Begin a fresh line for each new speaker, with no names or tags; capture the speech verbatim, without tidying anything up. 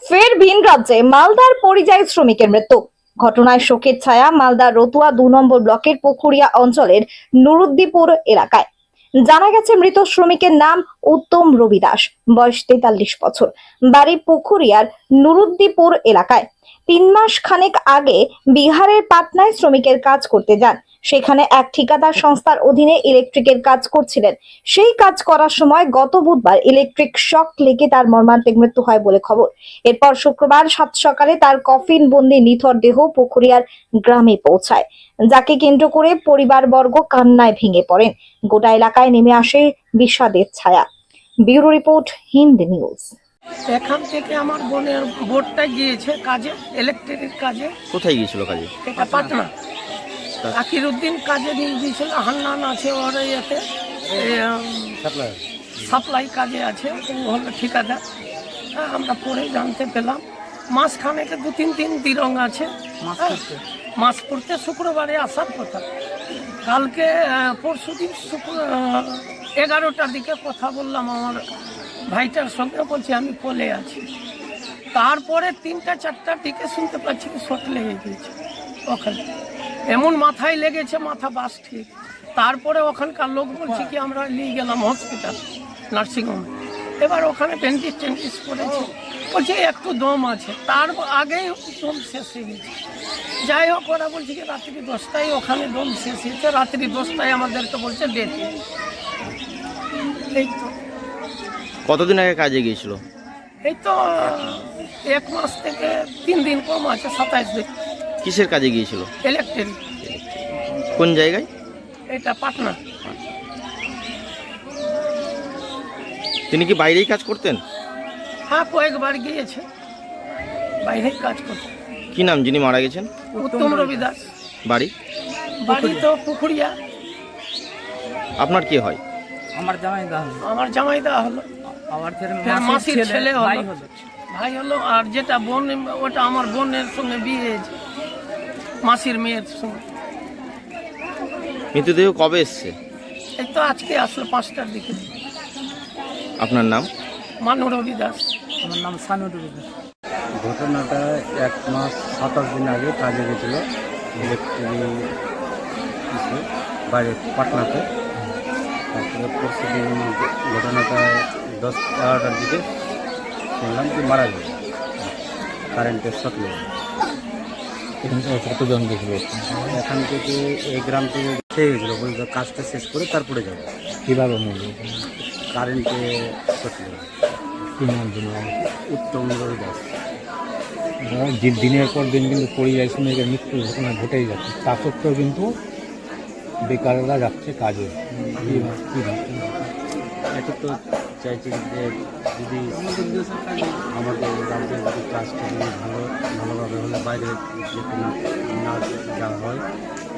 ফের ভিন রাজ্যে মালদার পরিযায়ী শ্রমিকের মৃত্যু। ঘটনায় শোকের ছায়া মালদার রতুয়া দু নম্বর ব্লকের পুখুরিয়া অঞ্চলের নুরুদ্দিপুর এলাকায়। জানা গেছে মৃত শ্রমিকের নাম উত্তম রবি দাস, বয়স তেতাল্লিশ বছর, বাড়ি পুখুরিয়ার নুরুদ্দিপুর এলাকায়। তিন মাস খানেক আগে বিহারের পাটনায় শ্রমিকের কাজ করতে যান। সেখানে এক ঠিকাদার সংস্থার অধীনে ইলেকট্রিকের কাজ করছিলেন। সেই কাজ করার সময় গত বুধবার ইলেকট্রিক শক লেগে তার মর্মান্তিক মৃত্যু হয় বলে খবর। এরপর শুক্রবার সাত সকালে তার কফিন বন্দি নিথর দেহ পুখুরিয়ার গ্রামে পৌঁছায়, যাকে কেন্দ্র করে পরিবারবর্গ কান্নায় ভেঙে পড়েন। গোটা এলাকায় নেমে আসে বিষাদের ছায়া। Bureau report, Hind news.
এখান থেকে আমার বোনের বোর্ডটা গিয়েছে কাজে, ইলেকট্রিকের কাজে।
কোথায় গিয়েছিল কাজে?
এটা পাটনা। আকিরউদ্দিন কাজে নিয়ে গিয়েছিল, হান্নান আছে ওর ইয়েতে সাপ্লাই কাজে আছে, ও হলো ঠিকাদার। হ্যাঁ, আমরা পরে জানতে পেলাম মাঝখানেতে দু তিন দিন দিরং আছে, মাস পড়তে শুক্রবারে আসার কথা। কালকে পরশু দিন শুক্র এগারোটার দিকে কথা বললাম আমার ভাইটার সঙ্গে, বলছি আমি কোলে আছি। তারপরে তিনটা চারটার দিকে শুনতে পাচ্ছি কি শট লেগে গিয়েছে ওখানে, এমন মাথায় লেগেছে, মাথা বাস ঠিক। তারপরে ওখানকার লোক বলছে কি আমরা নিয়ে গেলাম হসপিটাল, নার্সিংহোমে। এবার ওখানে ব্যান্ডেজ ট্যান্ডেজ করেছে, বলছে একটু দম আছে। তার আগেই দম শেষ হয়ে গেছে। যাই হোক, ওরা বলছে কি রাত্রি দশটায় ওখানে দম শেষ হয়েছে, রাত্রি দশটায় আমাদেরকে বলছে ডেট। এই তো
কতদিন আগে কাজে গিয়েছিল?
এই তো এক মাস থেকে তিন দিন কম আছে, সাতাইশ দিন।
কিসের কাজে গিয়েছিল?
ইলেকট্রিক।
কোন জায়গায়?
এটা পাটনা।
তিনি কি বাইরেই কাজ করতেন?
হ্যাঁ, কয়েকবার গিয়েছে বাইরে কাজ করতে।
কি নাম যিনি মারা গেছেন?
উত্তম রবি দাস।
বাড়ি?
বাড়ি তো পুখুরিয়া।
আপনার কি হয়?
আমার জামাই দা হলো,
আমার জামাই দেওয়া হলো,
আমার
ফের মাসির ছেলে
ভাই
হলো,
হলো।
ভাই হলো। আর যেটা বোন, ওটা আমার বোনের সঙ্গে বিয়ে হয়েছে, মাসির মেয়ের সঙ্গে।
মৃতদেহ কবে এসছে?
এই তো আজকে আসলো পাঁচটার দিকে।
আপনার নাম?
মানু রবি দাস।
আমার নাম সানু রবি দাস।
ঘটনাটা এক মাস সাতাশ দিন আগে কাজে গেছিল ইলেকট্রিক বাইরে পাটনাতে। তারপরে পরশু দিন ঘটনাটা দশ এগারোটার দিকে শুনলাম কি মারা গেছে, কারেন্টের শক লেগে।
কতজন দেখলো?
এখান থেকে এই গ্রাম থেকে খেয়ে গেছিলো, বলতো কাজটা শেষ করে তারপরে যাবো।
কীভাবে মরল?
কারেন্টে শক লেগে।
কি নাম জন্য?
উত্তম রবি দাস।
যে দিনের পর দিন কিন্তু পরিযায়ী শ্রমিকের মৃত্যুর ঘটনা ঘটেই যাচ্ছে, তা সত্ত্বেও কিন্তু বেকাররা যাচ্ছে কাজে। কী কী
এটা তো চাইছি যে যদি আমাদের রাজ্যে যদি কাজটা যদি ভালো ভালোভাবে হলে বাইরে যেতে না না যাওয়া হয়,